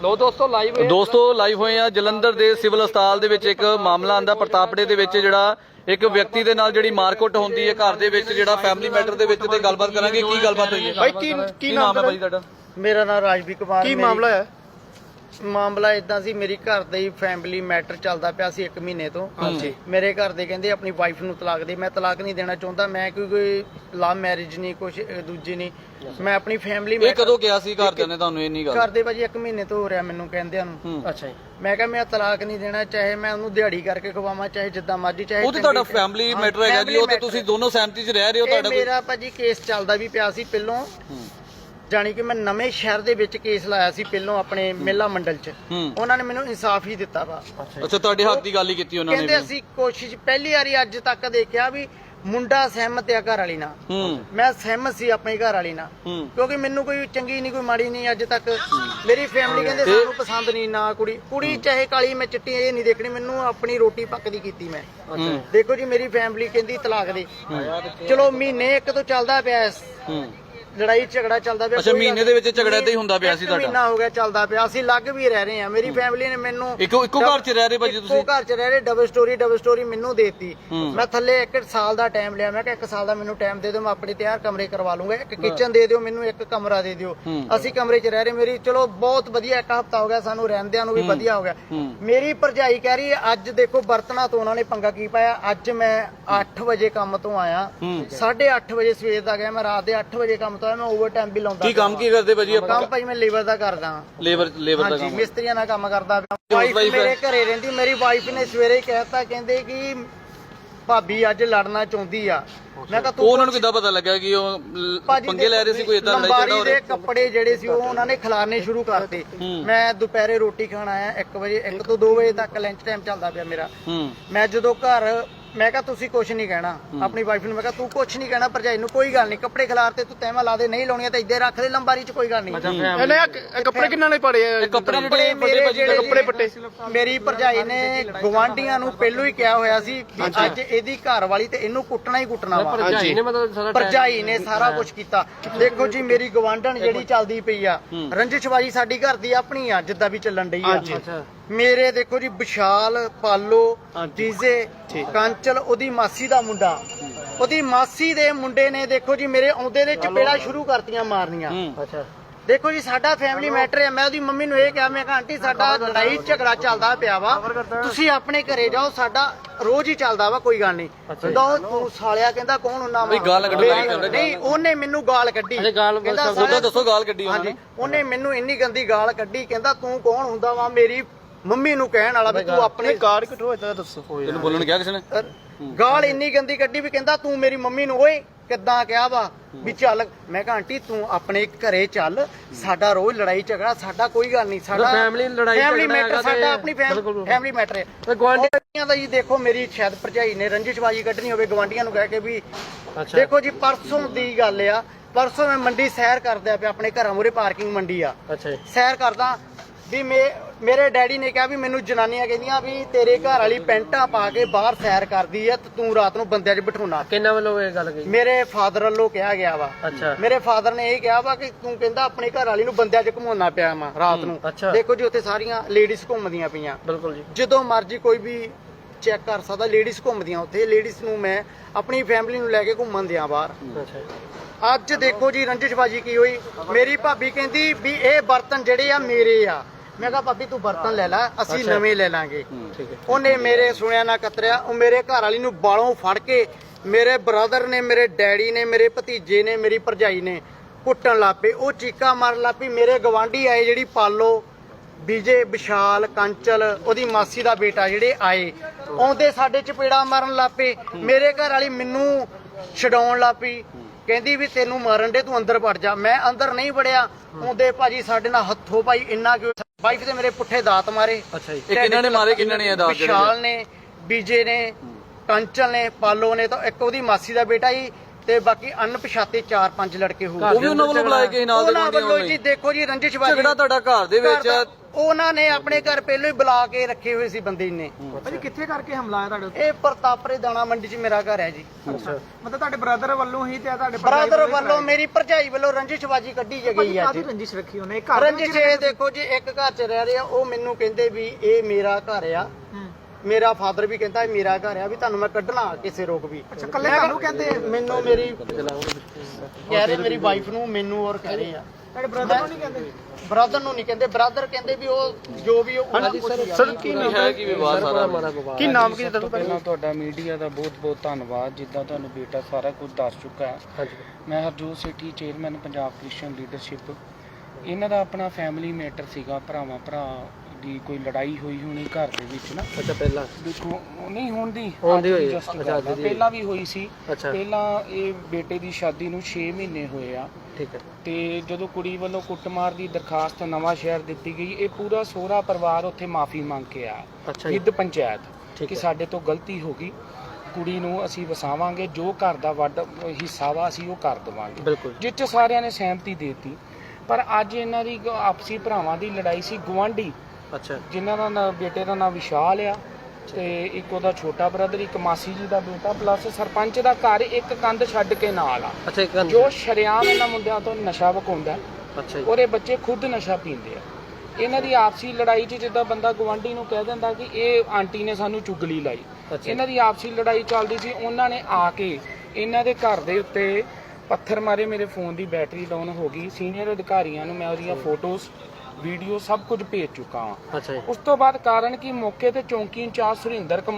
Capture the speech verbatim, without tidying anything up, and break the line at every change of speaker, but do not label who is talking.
ਲੋ ਦੋਸਤੋ ਲਾਈਵ ਦੋਸਤੋ ਲਾਈਵ ਹੋਏ ਆ ਜਲੰਧਰ ਦੇ ਸਿਵਲ ਹਸਪਤਾਲ ਦੇ ਵਿੱਚ ਇੱਕ ਮਾਮਲਾ ਆਂਦਾ ਪ੍ਰਤਾਪੜੇ ਦੇ ਵਿੱਚ ਜਿਹੜਾ ਇੱਕ ਵਿਅਕਤੀ ਦੇ ਨਾਲ ਜਿਹੜੀ ਮਾਰਕੁੱਟ ਹੁੰਦੀ ਹੈ ਘਰ ਦੇ ਵਿੱਚ ਜਿਹੜਾ ਫੈਮਿਲੀ ਮੈਟਰ ਦੇ ਵਿੱਚ ਤੇ ਗੱਲਬਾਤ ਕਰਾਂਗੇ ਕੀ ਗੱਲਬਾਤ ਹੋਈ ਹੈ
ਭਾਈ ਕੀ ਕੀ ਨਾਮ ਹੈ ਭਾਈ ਤੁਹਾਡਾ?
ਮੇਰਾ ਨਾਮ ਰਾਜਵੀਰ ਕੁਮਾਰ।
ਕੀ ਮਾਮਲਾ ਹੈ?
ਮਾਮਲਾ ਇਦਾਂ ਸੀ, ਮੇਰੀ ਘਰ ਦਾ ਹੀ ਫੈਮਿਲੀ ਮੈਟਰ ਚੱਲਦਾ ਪਿਆ ਸੀ ਇੱਕ ਮਹੀਨੇ ਤੋਂ। ਮੇਰੇ ਘਰ ਦੇ ਕਹਿੰਦੇ ਆਪਣੀ ਵਾਈਫ ਨੂੰ ਤਲਾਕ ਦੇ, ਮੈਂ ਤਲਾਕ ਨਹੀਂ ਦੇਣਾ ਚਾਹੁੰਦਾ, ਮੈਂ ਕੋਈ ਕੋਈ ਲਵ ਮੈਰਿਜ ਨਹੀਂ ਕੁਛ ਦੂਜੀ ਨਹੀਂ, ਮੈਂ ਆਪਣੀ ਫੈਮਿਲੀ
ਇਹ ਕਦੋਂ ਕਿਹਾ ਸੀ ਘਰਦਿਆਂ ਨੇ ਤੁਹਾਨੂੰ ਇੰਨੀ ਗੱਲ?
ਘਰ ਦੇ ਭਾਜੀ ਇੱਕ ਮਹੀਨੇ ਤੋਂ ਹੋ ਰਿਹਾ ਮੈਨੂੰ ਕਹਿੰਦਿਆਂ ਨੂੰ।
ਅੱਛਾ ਜੀ।
ਮੈਂ ਕਿਹਾ ਮੈਂ ਤਲਾਕ ਨਹੀਂ ਦੇਣਾ, ਚਾਹੇ ਮੈਂ ਉਹਨੂੰ ਦਿਹਾੜੀ ਕਰਕੇ ਖਵਾਵਾਂ, ਚਾਹੇ ਜਿੱਦਾਂ ਮਰਜ਼ੀ, ਚਾਹੇ
ਉਹ ਤੇ ਤੁਹਾਡਾ ਫੈਮਿਲੀ ਮੈਟਰ ਹੈਗਾ ਜੀ, ਉਹ ਤੇ ਤੁਸੀਂ ਦੋਨੋਂ ਸਹਿਮਤੀ 'ਚ ਰਹਿ ਰਹੇ ਹੋ। ਤੁਹਾਡਾ
ਮੇਰਾ ਭਾਜੀ ਕੇਸ ਚੱਲਦਾ ਵੀ ਪਿਆ ਸੀ ਪਹਿਲੋਂ, ਜਾਣੀ ਕਿ ਮੈਂ ਨਵੇਂ ਸ਼ਹਿਰ ਦੇ ਵਿੱਚ ਕੇਸ ਲਾਇਆ ਸੀ ਪਹਿਲੋਂ ਆਪਣੇ ਮੇਲਾ ਮੰਡਲ 'ਚ, ਉਹਨਾਂ ਨੇ ਮੈਨੂੰ ਇਨਸਾਫ ਹੀ ਦਿੱਤਾ ਵਾ।
ਅੱਛਾ ਤੁਹਾਡੇ ਹੱਕ ਦੀ ਗੱਲ ਹੀ ਕੀਤੀ ਉਹਨਾਂ ਨੇ?
ਕਹਿੰਦੇ ਅਸੀਂ ਕੋਸ਼ਿਸ਼ ਪਹਿਲੀ ਵਾਰੀ ਅੱਜ ਤੱਕ ਦੇਖਿਆ ਵੀ ਮੁੰਡਾ ਸਹਿਮਤ ਆ ਘਰ ਵਾਲੀ ਨਾਲ, ਮੈਂ ਸਹਿਮਤ ਸੀ ਆਪਣੀ ਘਰ ਵਾਲੀ ਨਾਲ, ਕਿਉਂਕਿ ਮੈਨੂੰ ਕੋਈ ਚੰਗੀ ਨਹੀਂ ਕੋਈ ਮਾੜੀ ਨਹੀਂ ਅੱਜ ਤੱਕ। ਮੇਰੀ ਫੈਮਿਲੀ ਕਹਿੰਦੇ ਸਾਨੂੰ ਪਸੰਦ ਨਹੀਂ ਨਾ ਕੁੜੀ, ਕੁੜੀ ਚਾਹੇ ਕਾਲੀ ਮੈਂ ਚਿੱਟੀ ਇਹ ਨਹੀਂ ਦੇਖਣੀ, ਮੈਨੂੰ ਆਪਣੀ ਰੋਟੀ ਪੱਕਦੀ ਕੀਤੀ ਮੈਂ। ਦੇਖੋ ਜੀ ਮੇਰੀ ਫੈਮਿਲੀ ਕਹਿੰਦੀ ਤਲਾਕ ਦੇ, ਚਲੋ ਮਹੀਨੇ ਇੱਕ ਤੋਂ ਚੱਲਦਾ ਪਿਆ ਲੜਾਈ ਝਗੜਾ ਚੱਲਦਾ ਪਿਆ।
ਅੱਛਾ ਮਹੀਨੇ ਦੇ ਵਿੱਚ ਝਗੜਾ ਤੇ ਹੀ ਹੁੰਦਾ ਪਿਆ ਸੀ ਤੁਹਾਡਾ?
ਮਹੀਨਾ ਹੋ ਗਿਆ ਚੱਲਦਾ ਪਿਆ, ਅਸੀਂ ਲੱਗ ਵੀ ਰਹਿ ਰਹੇ ਹਾਂ। ਮੇਰੀ ਫੈਮਿਲੀ ਨੇ ਮੈਨੂੰ
ਇੱਕੋ ਇੱਕੋ ਘਰ 'ਚ ਰਹਿ ਰਹੇ ਭਾਜੀ ਤੁਸੀਂ?
ਇੱਕੋ ਘਰ 'ਚ ਰਹਿ ਰਹੇ, ਡਬਲ ਸਟੋਰੀ ਡਬਲ ਸਟੋਰੀ ਮੈਨੂੰ ਦੇਤੀ। ਮੈਂ ਥੱਲੇ ਇੱਕ ਸਾਲ ਦਾ ਟਾਈਮ ਲਿਆ, ਮੈਂ ਕਿਹਾ ਇੱਕ ਸਾਲ ਦਾ ਮੈਨੂੰ ਟਾਈਮ ਦੇ ਦਿਓ, ਮੈਂ ਆਪਣੇ ਤਿਆਰ ਕਮਰੇ ਕਰਵਾ ਲੂੰਗਾ, ਇੱਕ ਕਿਚਨ ਦੇ ਦਿਓ ਮੈਨੂੰ, ਇੱਕ ਕਮਰਾ ਦੇ ਦਿਓ। ਅਸੀਂ ਕਮਰੇ 'ਚ ਰਹਿ ਰਹੇ, ਮੇਰੀ ਚਲੋ ਬਹੁਤ ਵਧੀਆ, ਇੱਕ ਹਫ਼ਤਾ ਹੋ ਗਿਆ ਸਾਨੂੰ ਰਹਿੰਦਿਆਂ ਨੂੰ ਵੀ ਵਧੀਆ ਹੋ ਗਿਆ। ਮੇਰੀ ਭਰਜਾਈ ਕਹਿ ਰਹੀ ਹੈ ਅੱਜ ਦੇਖੋ ਬਰਤਨਾਂ ਤੋਂ ਉਹਨਾਂ ਨੇ ਪੰਗਾ ਕੀ ਪਾਇਆ। ਅੱਜ ਮੈਂ ਅੱਠ ਵਜੇ ਕੰਮ ਤੋਂ ਆਇਆ, ਸਾਢੇ ਅੱਠ ਵਜੇ ਸਵੇਰ ਦਾ ਗਿਆ, ਮੈਂ ਰਾਤ ਦੇ ਅੱਠ ਵਜੇ ਕੰਮ ਤੋਂ ਆਇਆ, ਮੈਂ ਓਵਰ ਟਾਈਮ ਵੀ ਲਾਉਂਦਾ।
ਕੀ ਕੰਮ ਕੀ ਕਰਦੇ ਭਾਜੀ ਆਪਾਂ?
ਕੰਮ ਭਾਜੀ ਮੈਂ ਲੇਬਰ ਦਾ ਕਰਦਾ।
ਲੇਬਰ ਲੇਬਰ ਦਾ ਕੰਮ?
ਮਿਸਤਰੀਆਂ ਨਾਲ ਕੰਮ ਕਰਦਾ। ਵਾਈਫ ਮੇਰੇ ਘਰੇ ਰਹਿੰਦੀ, ਮੇਰੀ ਵਾਈਫ ਨੇ ਸਵੇਰੇ ਕਹਿਤਾ, ਕਹਿੰਦੇ ਕਿ ਭਾਬੀ ਅੱਜ ਲੜਨਾ ਚਾਹੁੰਦੀ ਆ। ਮੈਂ ਕਿਹਾ ਤੂੰ
ਉਹਨਾਂ ਨੂੰ ਕਿੱਦਾਂ ਪਤਾ ਲੱਗਾ ਕਿ ਉਹ ਪੰਗੇ ਲੈ ਰਹੇ ਸੀ, ਕੋਈ ਇਦਾਂ ਲੜਾਈ ਝਗੜਾ ਹੋ ਰਿਹਾ?
ਦੇ ਕੱਪੜੇ ਜਿਹੜੇ ਸੀ ਉਹ ਉਹਨਾਂ ਨੇ ਖਿਲਾਰਨੇ ਸ਼ੁਰੂ ਕਰਤੇ। ਮੈਂ ਦੁਪਹਿਰੇ ਰੋਟੀ ਖਾਣ ਆਇਆ ਇੱਕ ਵਜੇ, ਇੱਕ ਤੋਂ ਦੋ ਵਜੇ ਤੱਕ ਲੰਚ ਟਾਈਮ ਚੱਲਦਾ ਪਿਆ ਮੇਰਾ। ਮੈਂ ਜਦੋਂ ਘਰ ਮੈਂ ਕਿਹਾ ਤੁਸੀਂ ਕੁਛ ਨਹੀਂ ਕਹਿਣਾ, ਆਪਣੀ ਵਾਈਫ ਨੂੰ ਮੈਂ ਕਿਹਾ ਤੂੰ ਕੁਛ ਨਹੀਂ ਕਹਿਣਾ, ਭਰਜਾਈ ਨੂੰ ਕੋਈ ਗੱਲ ਨਹੀਂ, ਕੱਪੜੇ ਖਿਲਾਰ ਤੇ ਤੂੰ ਤੈਵਾਂ ਲਾ ਦੇ, ਨਹੀਂ ਲਾਉਣੀਆਂ ਤਾਂ ਇੱਧੇ ਰੱਖ ਦੇ ਲੰਬਾਰੀ 'ਚ, ਕੋਈ ਗੱਲ ਨਹੀਂ।
ਕੱਪੜੇ ਕਿੰਨਾਂ ਨੇ ਪੜੇ ਆ?
ਕੱਪੜੇ ਜਿਹੜੇ ਮੇਰੇ
ਕੱਪੜੇ ਪੱਟੇ
ਮੇਰੀ ਭਰਜਾਈ ਨੇ ਗਵਾਂਢੀਆਂ ਨੂੰ ਪਹਿਲੋਂ ਹੀ ਕਿਹਾ ਹੋਇਆ ਸੀ ਵੀ ਅੱਜ ਇਹਦੀ ਘਰ ਵਾਲੀ ਤੇ ਇਹਨੂੰ ਕੁੱਟਣਾ ਹੀ ਕੁੱਟਣਾ ਵਾ। ਭਰਜਾਈ ਨੇ ਸਾਰਾ ਕੁਝ ਕੀਤਾ। ਦੇਖੋ ਜੀ ਮੇਰੀ ਗਵਾਂਢਣ ਜਿਹੜੀ ਚੱਲਦੀ ਪਈ ਆ, ਰੰਜਿਸ਼ਬਾਜੀ ਸਾਡੀ ਘਰ ਦੀ ਆਪਣੀ ਆ ਜਿੱਦਾਂ ਵੀ ਚੱਲਣ ਡਈ ਆ। ਮੇਰੇ ਦੇਖੋ ਜੀ ਵਿਸ਼ਾਲ, ਪਾਲੋ, ਡੀਜ਼ੇ, ਕਾਂਚਲ ਉਹਦੀ ਮਾਸੀ ਦਾ ਮੁੰਡਾ, ਉਹਦੀ ਮਾਸੀ ਦੇ ਮੁੰਡੇ ਨੇ ਦੇਖੋ ਜੀ ਮੇਰੇ ਆਉਂਦੇ ਦੇ ਚਪੇੜਾ ਸ਼ੁਰੂ ਕਰਤੀਆਂ ਮਾਰਨੀਆਂ। ਅੱਛਾ ਦੇਖੋ ਜੀ ਸਾਡਾ ਫੈਮਿਲੀ ਮੈਟਰ ਹੈ। ਮੈਂ ਉਹਦੀ ਮੰਮੀ ਨੂੰ ਇਹ ਕਿਹਾ, ਮੈਂ ਕਿਹਾ ਆਂਟੀ ਸਾਡਾ ਲੜਾਈ ਝਗੜਾ ਚੱਲਦਾ ਪਿਆ ਵਾ, ਤੁਸੀਂ ਆਪਣੇ ਘਰੇ ਜਾਓ, ਸਾਡਾ ਰੋਜ਼ ਹੀ ਚੱਲਦਾ ਵਾ, ਕੋਈ ਗੱਲ ਨਹੀਂ। ਤੂੰ ਸਾਲਿਆ ਕਹਿੰਦਾ ਕੌਣ ਹੁੰਨਾ ਵਾ?
ਗਾਲ ਕੱਢਦਾ
ਨਹੀਂ, ਉਹਨੇ ਮੈਨੂੰ ਗਾਲ ਕੱਢੀ,
ਕਹਿੰਦਾ ਦੱਸੋ ਗਾਲ ਕੱਢੀ
ਹਾਂਜੀ, ਉਹਨੇ ਮੈਨੂੰ ਇੰਨੀ ਗੰਦੀ ਗਾਲ ਕੱਢੀ, ਕਹਿੰਦਾ ਤੂੰ ਕੌਣ ਹੁੰਦਾ ਵਾ ਮੇਰੀ ਮੰਮੀ ਨੂੰ ਕਹਿਣ ਵਾਲਾ ਵੀ ਤੂੰ ਆਪਣੇ
ਕਾਰਡ ਕਟੋ ਇਦਾਂ ਦੱਸੋ।
ਤੈਨੂੰ ਬੋਲਣ ਕਿਹਾ ਕਿਸੇ ਨੇ?
ਗਾਲ ਇੰਨੀ ਗੰਦੀ ਕੱਢੀ ਵੀ ਕਹਿੰਦਾ ਤੂੰ ਮੇਰੀ ਮੰਮੀ ਨੂੰ ਓਏ ਕਿੱਦਾਂ ਕਿਹਾ ਵਾ ਵੀ ਚੱਲ। ਮੈਂ ਕਿਹਾ ਆਂਟੀ ਤੂੰ ਆਪਣੇ ਘਰੇ ਚੱਲ, ਸਾਡਾ ਰੋਜ਼ ਲੜਾਈ ਝਗੜਾ, ਸਾਡਾ ਕੋਈ ਗੱਲ ਨਹੀਂ, ਸਾਡਾ
ਫੈਮਿਲੀ ਲੜਾਈ
ਫੈਮਿਲੀ ਮੈਟਰ ਸਾਡਾ ਆਪਣੀ ਫੈਮਿਲੀ ਮੈਟਰ ਹੈ। ਗਵਾਂਢੀਆਂ ਦਾ ਜੀ ਦੇਖੋ ਮੇਰੀ ਸ਼ਾਇਦ ਭਰਜਾਈ ਨੇ ਰੰਜਿਸ਼ਬਾਜੀ ਕੱਢਣੀ ਹੋਵੇ ਗਵਾਂਢੀਆਂ ਨੂੰ ਕਹਿ ਕੇ ਵੀ। ਦੇਖੋ ਜੀ ਪਰਸੋਂ ਦੀ ਗੱਲ ਆ, ਪਰਸੋਂ ਮੈਂ ਮੰਡੀ ਸੈਰ ਕਰਦਾ ਪਿਆ, ਆਪਣੇ ਘਰਾਂ ਮੂਹਰੇ ਪਾਰਕਿੰਗ ਮੰਡੀ ਆ, ਸੈਰ ਕਰਦਾ ਵੀ ਮੇਰੇ ਡੈਡੀ ਨੇ ਕਿਹਾ ਵੀ ਮੈਨੂੰ ਜਨਾਨੀਆਂ ਕਹਿੰਦੀਆਂ ਵੀ ਤੇਰੇ ਘਰ ਵਾਲੀ ਪੈਂਟਾਂ ਪਾ ਕੇ ਬਾਹਰ ਸੈਰ ਕਰਦੀ ਆ ਤੇ ਤੂੰ ਰਾਤ ਨੂੰ ਬੰਦਿਆਂ 'ਚ ਬਿਠਾਉਣਾ।
ਕਿੰਨਾ ਵੱਲੋਂ ਇਹ ਗੱਲ ਕਹੀ?
ਮੇਰੇ ਫਾਦਰ ਵੱਲੋਂ ਕਿਹਾ ਗਿਆ ਵਾ।
ਅੱਛਾ।
ਮੇਰੇ ਫਾਦਰ ਨੇ ਇਹ ਕਿਹਾ ਵਾ ਕਿ ਤੂੰ ਕਹਿੰਦਾ ਆਪਣੀ ਘਰ ਵਾਲੀ ਨੂੰ ਬੰਦਿਆਂ 'ਚ ਘੁਮਾਉਣਾ ਪਿਆ ਵਾ ਰਾਤ ਨੂੰ। ਦੇਖੋ ਜੀ ਉੱਥੇ ਸਾਰੀਆਂ ਲੇਡੀਜ਼ ਘੁੰਮਦੀਆਂ ਪਈਆਂ। ਬਿਲਕੁਲ ਜੀ, ਜਦੋਂ ਮਰਜ਼ੀ ਕੋਈ ਵੀ ਚੈੱਕ ਕਰ ਸਕਦਾ, ਲੇਡੀਜ਼ ਘੁੰਮਦੀਆਂ ਉੱਥੇ। ਲੇਡੀਜ਼ ਨੂੰ ਮੈਂ ਆਪਣੀ ਫੈਮਿਲੀ ਨੂੰ ਲੈ ਕੇ ਘੁੰਮਣ ਦਿਆਂ ਬਾਹਰ। ਅੱਜ ਦੇਖੋ ਜੀ ਰੰਜਿਸ਼ਬਾਜੀ ਕੀ ਹੋਈ, ਮੇਰੀ ਭਾਬੀ ਕਹਿੰਦੀ ਵੀ ਇਹ ਬਰਤਨ ਜਿਹੜੇ ਆ ਮੇਰੇ ਆ। ਮੈਂ ਕਿਹਾ ਭਾਬੀ ਤੂੰ ਬਰਤਨ ਲੈ ਲੈ, ਅਸੀਂ ਨਵੇਂ ਲੈ ਲਾਂਗੇ। ਉਹਨੇ ਮੇਰੇ ਸੁਣਿਆ ਨਾ ਕਤਰਿਆ, ਉਹ ਮੇਰੇ ਘਰ ਵਾਲੀ ਨੂੰ ਬਾਲੋਂ ਫੜ ਕੇ ਮੇਰੇ ਬ੍ਰਦਰ ਨੇ, ਮੇਰੇ ਡੈਡੀ ਨੇ, ਮੇਰੇ ਭਤੀਜੇ ਨੇ, ਮੇਰੀ ਭਰਜਾਈ ਨੇ ਕੁੱਟਣ ਲੱਗ ਪਏ। ਉਹ ਚੀਕਾਂ ਮਾਰਨ ਲੱਗ ਪਈ। ਮੇਰੇ ਗਵਾਂਢੀ ਆਏ ਜਿਹੜੀ ਪਾਲੋ, ਵਿਜੇ, ਵਿਸ਼ਾਲ, ਕਾਂਚਲ ਉਹਦੀ ਮਾਸੀ ਦਾ ਬੇਟਾ ਜਿਹੜੇ ਆਏ, ਆਉਂਦੇ ਸਾਡੇ ਚਪੇੜਾ ਮਾਰਨ ਲੱਗ ਪਏ। ਮੇਰੇ ਘਰ ਵਾਲੀ ਮੈਨੂੰ ਛਡਾਉਣ ਲੱਗ ਪਈ, ਕਹਿੰਦੀ ਵੀ ਤੈਨੂੰ ਮਾਰਨ ਦੇ, ਤੂੰ ਅੰਦਰ ਵੜ ਜਾ। ਮੈਂ ਅੰਦਰ ਨਹੀਂ ਵੜਿਆ। ਆਉਂਦੇ ਭਾਜੀ ਸਾਡੇ ਨਾਲ ਹੱਥੋਂ ਪਾਈ ਇੰਨਾ ਕਿ ਵਾਈਫ ਦੇ ਮੇਰੇ ਪੁੱਠੇ ਦਾਤ ਮਾਰੇ।
ਅੱਛਾ ਜੀ, ਇਹ ਕਿਹਨਾਂ ਨੇ ਮਾਰੇ? ਕਿਹਨਾਂ ਨੇ ਇਹ ਦਾਤ?
ਵਿਸ਼ਾਲ ਨੇ, ਵਿਜੇ ਨੇ, ਕਾਂਚਲ ਨੇ, ਪਾਲੋ ਨੇ, ਤਾਂ ਇੱਕ ਉਹਦੀ ਮਾਸੀ ਦਾ ਬੇਟਾ ਹੀ, ਤੇ ਬਾਕੀ ਅਣਪਛਾਤੇ ਚਾਰ ਪੰਜ ਲੜਕੇ ਹੋ।
ਉਹ ਵੀ ਉਹਨਾਂ ਵੱਲੋਂ ਬੁਲਾਏ ਗਏ ਨਾਲ ਦੇ
ਵੱਲੋਂ ਜੀ। ਦੇਖੋ ਜੀ ਰੰਜਿਸ਼ਬਾਜੀ
ਝਗੜਾ ਤੁਹਾਡਾ ਘਰ ਦੇ ਵਿੱਚ
ਉਹਨਾਂ ਨੇ ਆਪਣੇ ਘਰ ਪਹਿਲਾਂ ਹੀ ਬੁਲਾ ਕੇ ਰੱਖੇ ਹੋਏ ਸੀ ਬੰਦੇ ਨੇ।
ਭਾਜੀ ਕਿੱਥੇ ਕਰਕੇ ਹਮਲਾ ਆਇਆ ਤੁਹਾਡੇ ਉੱਤੇ?
ਇਹ ਪ੍ਰਤਾਪਰੇ ਦਾਣਾ ਮੰਡੀ 'ਚ ਮੇਰਾ ਘਰ ਹੈ ਜੀ।
ਅੱਛਾ, ਮਤਲਬ ਤੁਹਾਡੇ ਬ੍ਰਦਰ ਵੱਲੋਂ ਹੀ ਤੇ ਤੁਹਾਡੇ
ਬ੍ਰਦਰ ਵੱਲੋਂ ਮੇਰੀ ਭਰਜਾਈ ਵੱਲੋਂ ਰੰਜਿਸ਼ਬਾਜੀ ਕੱਢੀ ਗਈ ਹੈ ਜੀ।
ਰੰਜਿਸ਼ ਰੱਖੀ ਉਹਨੇ ਘਰ
ਰੰਜਿਸ਼ ਇਹ ਦੇਖੋ ਜੀ, ਇੱਕ ਘਰ 'ਚ ਰਹਿ ਰਹੇ ਆ, ਉਹ ਮੈਨੂੰ ਕਹਿੰਦੇ ਵੀ ਇਹ ਮੇਰਾ ਘਰ ਆ। ਮੇਰਾ ਫਾਦਰ ਵੀ ਕਹਿੰਦਾ ਇਹ ਮੇਰਾ ਘਰ ਆ, ਵੀ ਤੁਹਾਨੂੰ ਮੈਂ ਕੱਢਣਾ ਕਿਸੇ ਰੋਕ ਵੀ।
ਅੱਛਾ, ਕੱਲੇ ਤੁਹਾਨੂੰ ਕਹਿੰਦੇ
ਮੈਨੂੰ ਮੇਰੀ ਕਹਿ ਰਹੇ, ਮੇਰੀ ਵਾਈਫ ਨੂੰ, ਮੈਨੂੰ ਔਰ ਕਹਿ ਰਹੇ ਆ।
ਤੁਹਾਡੇ ਬ੍ਰਦਰ ਨੂੰ ਨਹੀਂ ਕਹਿੰਦੇ?
ਬ੍ਰਦਰ ਨੂੰ ਨਹੀਂ ਕਹਿੰਦੇ, ਬ੍ਰਦਰ ਕਹਿੰਦੇ ਵੀ ਉਹ ਜੋ ਵੀ ਉਹ
ਸਰ ਕੀ
ਹੈ ਕੀ ਵਿਵਾਦ ਸਾਰਾ?
ਕੀ ਨਾਮ ਕੀ
ਤੁਹਾਡਾ? ਪਹਿਲਾਂ ਤੁਹਾਡਾ ਮੀਡੀਆ ਦਾ ਬਹੁਤ ਬਹੁਤ ਧੰਨਵਾਦ, ਜਿੱਦਾਂ ਤੁਹਾਨੂੰ ਬੇਟਾ ਸਾਰਾ ਕੁਝ ਦੱਸ ਚੁੱਕਾ ਹੈ।
ਹਾਂਜੀ,
ਮੈਂ Harjot Sethi, chairman Punjab Christian leadership. ਇਹਨਾਂ ਦਾ ਆਪਣਾ ਫੈਮਿਲੀ ਮੈਟਰ ਸੀਗਾ, ਭਰਾਵਾਂ ਭਰਾ ਦੀ ਕੋਈ ਲੜਾਈ ਹੋਈ ਹੋਣੀ ਘਰ ਦੇ ਵਿੱਚ ਨਾ।
ਅੱਛਾ, ਪਹਿਲਾਂ
ਦੇਖੋ ਨਹੀਂ ਹੁਣ ਦੀ
ਹੁੰਦੀ ਹੋਈ ਹੈ।
ਅੱਛਾ, ਪਹਿਲਾਂ ਵੀ ਹੋਈ ਸੀ।
ਅੱਛਾ,
ਪਹਿਲਾਂ ਇਹ ਬੇਟੇ ਦੀ ਸ਼ਾਦੀ ਨੂੰ ਛੇ ਮਹੀਨੇ ਹੋਏ ਆ।
ਠੀਕ ਹੈ।
ਤੇ ਜਦੋਂ ਕੁੜੀ ਵੱਲੋਂ ਕੁੱਟਮਾਰ ਦੀ ਦਰਖਾਸਤ ਨਵਾਂ ਸ਼ਹਿਰ ਦਿੱਤੀ ਗਈ, ਇਹ ਪੂਰਾ ਸਹੁਰਾ ਪਰਿਵਾਰ ਉੱਥੇ ਮਾਫੀ ਮੰਗ ਕੇ ਆਇਆ
ਅੱਛਾ ਜੀ,
ਵਿਦ ਪੰਚਾਇਤ
ਠੀਕ
ਕਿ
ਹੈ।
ਸਾਡੇ ਤੋਂ ਗਲਤੀ ਹੋ ਗਈ, ਕੁੜੀ ਨੂੰ ਅਸੀਂ ਵਸਾਵਾਂਗੇ, ਜੋ ਘਰ ਦਾ ਵੱਡ ਹਿੱਸਾ ਵਾ ਅਸੀਂ ਉਹ ਕਰ ਦੇਵਾਂਗੇ,
ਬਿਲਕੁਲ।
ਜਿਸ 'ਚ ਸਾਰਿਆਂ ਨੇ ਸਹਿਮਤੀ ਦੇ ਦਿੱਤੀ। ਪਰ ਅੱਜ ਇਹਨਾਂ ਦੀ ਆਪਸੀ ਭਰਾਵਾਂ ਦੀ ਲੜਾਈ ਸੀ। ਗੁਆਂਢੀ
ਅੱਛਾ,
ਜਿਨ੍ਹਾਂ ਦਾ ਨਾਂ ਬੇਟੇ ਦਾ ਨਾਂ ਵਿਸ਼ਾਲ ਆ, ਤੇ ਇੱਕ ਉਹਦਾ ਛੋਟਾ ਬ੍ਰਦਰ, ਇੱਕ ਮਾਸੀ ਜੀ ਦਾ ਬੇਟਾ, ਪਲੱਸ ਸਰਪੰਚ ਦਾ ਘਰ ਇੱਕ ਕੰਧ ਛੱਡ ਕੇ ਨਾਲ ਆ,
ਅੱਛਾ, ਇੱਕ
ਜੋ ਸ਼ਰੇਆਮ ਇਹਨਾਂ ਮੁੰਡਿਆਂ ਤੋਂ ਨਸ਼ਾ ਵਿਕਾਉਂਦਾ,
ਅੱਛਾ ਜੀ,
ਉਹਦੇ ਬੱਚੇ ਖੁਦ ਨਸ਼ਾ ਪੀਂਦੇ ਆ। ਇਹਨਾਂ ਦੀ ਆਪਸੀ ਲੜਾਈ 'ਚ ਜਿੱਦਾਂ ਬੰਦਾ ਗਵਾਂਢੀ ਨੂੰ ਕਹਿ ਦਿੰਦਾ ਕਿ ਇਹ ਆਂਟੀ ਨੇ ਸਾਨੂੰ ਚੁਗਲੀ ਲਾਈ,
ਅੱਛਾ।
ਇਹਨਾਂ ਦੀ ਆਪਸੀ ਲੜਾਈ ਚੱਲਦੀ ਸੀ। ਉਹਨਾਂ ਨੇ ਆ ਕੇ ਇਹਨਾਂ ਦੇ ਘਰ ਦੇ ਉੱਤੇ ਪੱਥਰ ਮਾਰੇ, ਮੇਰੇ ਫੋਨ ਦੀ ਬੈਟਰੀ ਡਾਊਨ ਹੋ ਗਈ। ਸੀਨੀਅਰ ਅਧਿਕਾਰੀਆਂ ਨੂੰ ਮੈਂ ਉਹਦੀਆਂ ਫੋਟੋਜ਼, ਵੀਡੀਓ ਸਭ ਕੁਝ ਭੇਜ ਚੁੱਕਾ ਹਾਂ।
ਅੱਛਾ ਜੀ।
ਉਸ ਤੋਂ ਬਾਅਦ ਕਾਰਨ ਕਿ ਮੌਕੇ ਤੇ ਚੌਂਕੀ ਇੰਚਾਰਜ ਸੁਰਿੰਦਰ